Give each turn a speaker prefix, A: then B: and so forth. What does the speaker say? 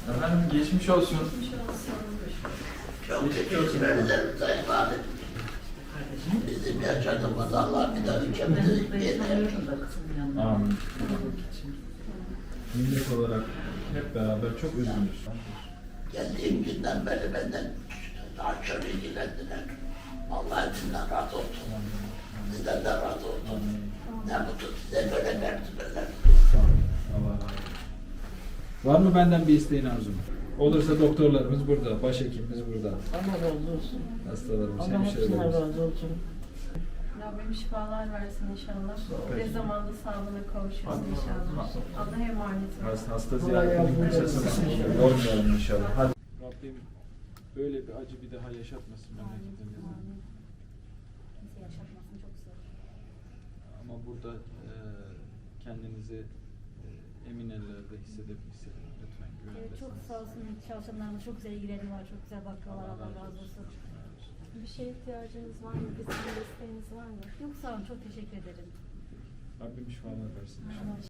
A: Efendim geçmiş olsun.
B: Çok teşekkür ederim Sayın Valim. Bizim yaşadığımız Allah bir daha ülkemizi yerine yaşadık.
A: Amin. Millet olarak hep beraber çok üzgünüz.
B: Geldiğim günden beri benden daha çok ilgilendiler. Allah hepsinden razı olsun. Sizden de razı olsun. Ne mutlu size böyle mertebeler.
A: Allah razı olsun. Var mı benden bir isteğin Arzum? Olursa doktorlarımız burada, başhekimimiz burada.
C: Allah razı olsun.
A: Hastalarımız,
C: Allah hepsinden
A: hemşirelerimiz.
C: razı olsun.
D: Rabbim şifalar versin inşallah.
A: Peki.
D: Ve zamanda sağlığına kavuşursun inşallah. Allah'a emanet olun.
A: Hasta ziyaretinin kimsesini yormayalım inşallah. Hadi. Rabbim böyle bir acı bir daha yaşatmasın memleketimizde.
E: Kimse yaşatmasın, çok zor.
A: Ama burada kendinizi emin ellerde hissedin lütfen.
E: Evet, çok sağ olsun çalışanlarımız çok güzel ilgileniyorlar, çok güzel bakıyorlar, Allah razı olsun.
F: Bir şeye ihtiyacınız var mı? Bizim desteğiniz var mı?
E: Yok sağ olun, çok teşekkür ederim.
A: Rabbim şifalar versin inşallah.